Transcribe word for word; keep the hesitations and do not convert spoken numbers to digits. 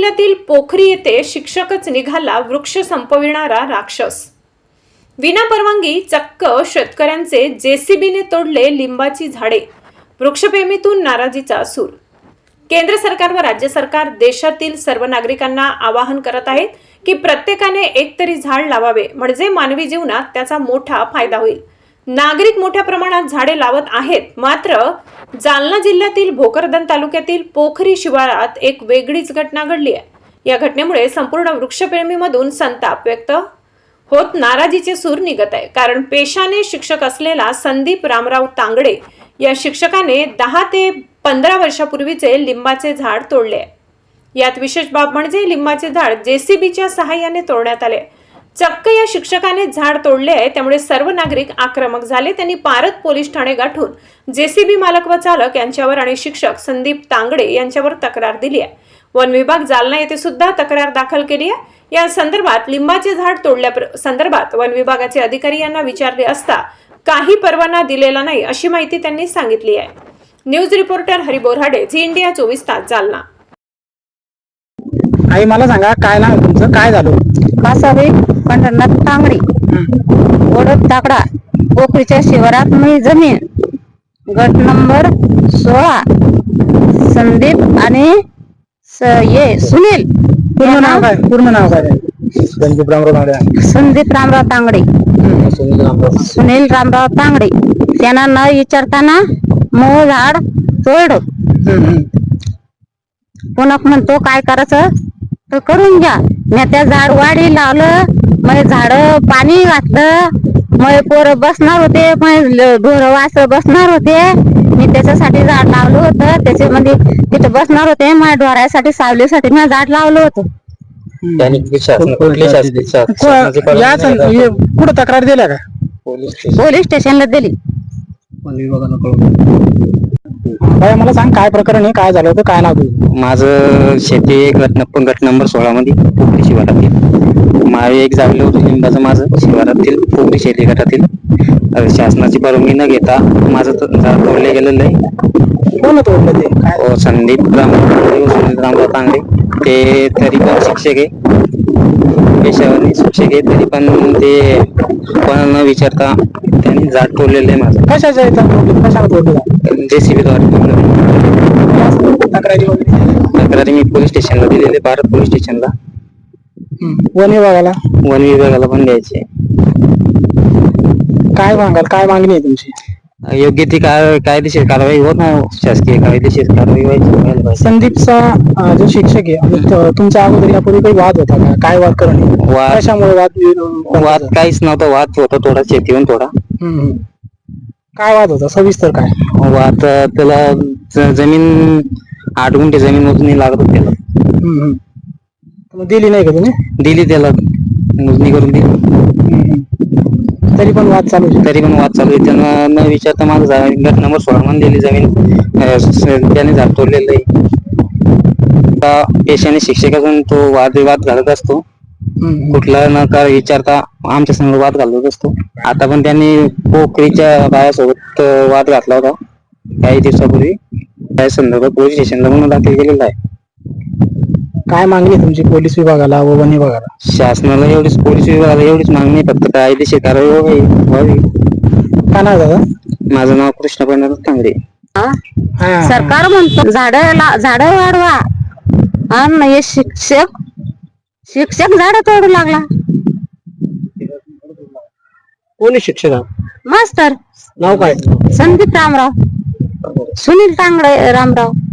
जिल्ह्यातील पोखरी येथे शिक्षकच निघाला वृक्ष संपविणारा राक्षस। विनापरवानगी चक्क शेतकऱ्यांचे जेसीबीने तोडले लिंबाची झाडे। वृक्षप्रेमीतून नाराजीचा सूर। केंद्र सरकार व राज्य सरकार देशातील सर्व नागरिकांना आवाहन करत आहेत की प्रत्येकाने एक तरी झाड लावावे, म्हणजे मानवी जीवनात त्याचा मोठा फायदा होईल। नागरिक मोठ्या प्रमाणात झाडे लावत आहेत, मात्र जालना जिल्ह्यातील भोकरदन तालुक्यातील पोखरी शिवारात एक वेगळीच घटना घडली आहे। या घटनेमुळे संपूर्ण वृक्षप्रेमीमधून संताप व्यक्त होत नाराजीचे सूर निघत आहे। कारण पेशाने शिक्षक असलेला संदीप रामराव तांगडे या शिक्षकाने दहा ते पंधरा वर्षापूर्वीचे लिंबाचे झाड तोडले। यात विशेष बाब म्हणजे लिंबाचे झाड जेसीबीच्या सहाय्याने तोडण्यात आले। चक्क या शिक्षकाने झाड तोडले आहे, त्यामुळे सर्व नागरिक आक्रमक झाले। त्यांनी पारत पोलीस ठाणे गाठून जेसीबी मालक व चालक यांच्यावर आणि शिक्षक संदीप तांगडे यांच्यावर तक्रार दिली आहे। वन विभाग जालना येथे सुद्धा तक्रार दाखल केली आहे। या संदर्भात लिंबाचे झाड तोडल्या संदर्भात वन विभागाचे अधिकारी यांना विचारले असता काही परवाना दिलेला नाही अशी माहिती त्यांनी सांगितली आहे। News reporter Hari Borade, Zee India चोवीस तास, जालना। आई मला सांगा, काय नाव तुमचं, काय झालं? कासाबाई पंढरनाथ तांगडी, ओढत ताकडा, पोखरीच्या शिवारात मी जमीन, गट नंबर सोळा, संदीप आणि ये सुनील। पूर्ण नाव काय? पूर्ण नाव काय? संदीप रामराव तांगडे। संदीप रामराव तांगडे, सुनील रामराव तांगडे। त्यांना न विचारताना मूळ झाड तोड। पुन्हा म्हणतो काय करायचं तर करून घ्या। मी त्या झाड वाढी लावलं, मग झाड पाणी घातलं, मग पोरं बसणार होते, मग ढोरं वास बसणार होते। मी त्याच्यासाठी झाड लावलं होतं, त्याच्यामध्ये तिथे बसणार होते, माझ्या ढोरासाठी सावलीसाठी मी झाड लावलं होतं। कुठं तक्रार दिल्या का? पोलीस स्टेशनला दिली। मला सांग, काय प्रकरण आहे, काय झालं होतं, काय नाव तुझं? माझं शेती गट गट नंबर सोळा मध्ये पोखरी शिवारातील माळे एक जागलं होतं लिंबाचं माझं शिवारातील पोखरी शेती गटातील। शासनाची परवानगी न घेता माझं झाड तोडले गेलेलं आहे। कोण तोडलं ते? काय? संदीप रामराव सुनील रामराव तांगडे, ते तरी पण शिक्षक आहे, पेशावर शिक्षक आहे, तरी पण ते कोणाला न विचारता त्यांनी झाड तोडलेलं आहे माझं। कशाच्या कशाला तोडलं? जेसीबी द्वारे तोडलं। तक्रारी तक्रारी मी पोलीस स्टेशनला दिलेले, भारत पोलीस स्टेशनला, वन विभागाला, वन विभागाला पण द्यायचे। काय मागाल, काय मागणी आहे तुमची? योग्य ती काय कायदेशीर कारवाई होत नाही, शासकीय कायदेशीर कारवाई व्हायची। संदीपचा जो शिक्षक आहे आणि तुमच्या अगोदर यापूर्वी काही वाद होता का? काय वाद करणे? वाद कशामुळे वाद? वाद काहीच नव्हता, वाद होता थोडा शेतीवरून थोडा। काय वाद होता, सविस्तर काय? वाद त्याला जमीन आठ गुंठे जमीन मोजणी लागत होती त्याला। मग दिली नाही का तुम्ही? दिली त्याला, मोजणी करून दिली, तरी पण वाद चालू आहे? तरी पण वाद चालू आहे। त्यांना न विचारता माझं गट नंबर सोळा मध्ये दिली जमीन, त्याने झाड तोडलेलं आहे। पेशाने शिक्षक असून तो वादविवाद घालत असतो, कुठला न का विचारता आमच्या संग वाद घालत असतो। आता पण त्यांनी पोखरीच्या बायासोबत वाद घातला होता काही दिवसापूर्वी, त्या संदर्भात पोलीस स्टेशनला गुन्हा दाखल केलेला आहे। काय मागणी तुमची पोलीस विभागाला व वन विभागाला? शासनाला एवढीच, पोलीस विभागाला एवढीच मागणी, फक्त कायदेशीर कारवाई व्हावी। काय नाव दादा? माझं नाव कृष्ण पंढरनाथ तांगडे। सरकार म्हणतो झाड झाड वाढवा, आणि हे शिक्षक शिक्षक झाड तोडू लागला। कोणी शिक्षक? मास्तर। नाव काय? संदीप रामराव, सुनील तांगडे रामराव।